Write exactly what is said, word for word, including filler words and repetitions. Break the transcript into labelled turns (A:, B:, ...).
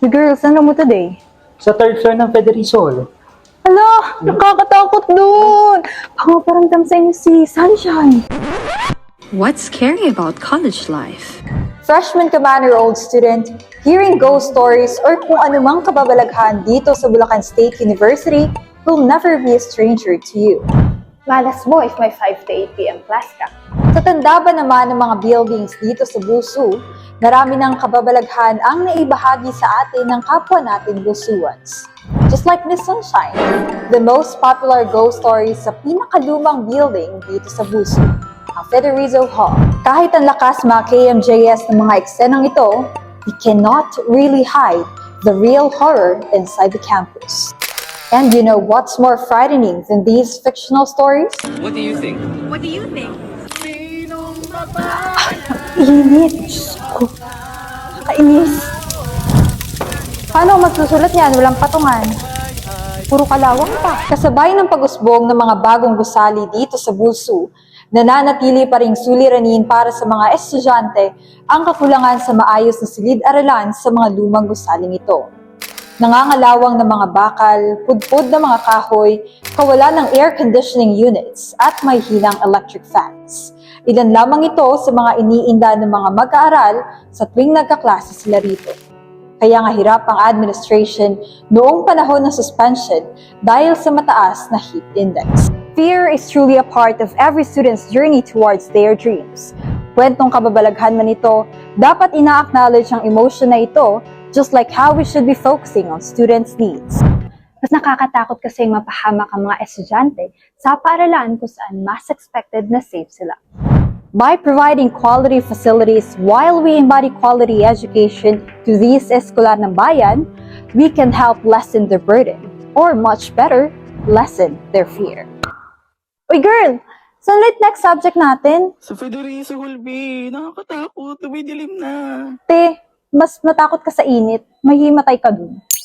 A: Girls, ano mo today?
B: Sa third floor ng Federico Hall.
A: Hala, nakakatakot dun! Baka paramdam sa inyo si Sunshine.
C: What's scary about college life?
D: Freshman ka man or old student, hearing ghost stories or kung anumang kababalaghan dito sa Bulacan State University will never be a stranger to you.
A: Malas mo if may five to eight p m class ka.
D: Sa tanda ba naman ng mga buildings dito sa Busu, marami ng kababalaghan ang naibahagi sa atin ng kapwa natin Busuans. Just like Miss Sunshine, the most popular ghost stories sa pinakalumang building dito sa Busu, ang Federico Hall. Kahit ang lakas mga K M J S ng mga eksenang ito, we cannot really hide the real horror inside the campus. And you know what's more frightening than these fictional stories?
E: What do you think?
C: What do you think?
A: Init! Diyos ko. Nakainis. Paano ako magsusulat yan? Walang patungan. Puro kalawang pa.
D: Kasabay ng pag-usbong ng mga bagong gusali dito sa Busu, nananatili pa ring suliranin para sa mga estudyante ang kakulangan sa maayos na silid-aralan sa mga lumang gusaling ito. Nangangalawang ng mga bakal, pudpud ng mga kahoy, kawalan ng air conditioning units at may hinang electric fans. Ilan lamang ito sa mga iniinda ng mga mag-aaral sa tuwing nagkaklase sila rito. Kaya nga hirap ang administration noong panahon ng suspension dahil sa mataas na heat index. Fear is truly a part of every student's journey towards their dreams. Kwentong kababalaghan man ito, dapat ina-acknowledge ang emotion na ito, just like how we should be focusing on students' needs.
A: Mas nakakatakot kasi mapahamak ang mga estudyante sa paaralan kung saan mas expected na safe sila.
D: By providing quality facilities while we embody quality education to these eskolar ng bayan, we can help lessen their burden, or much better, lessen their fear.
A: Uy girl! Saan ulit next subject natin?
E: Sa Federico Hall, B. Nakakatakot. Tumidilim na.
A: Te, mas matakot ka sa init, mahimatay ka dun.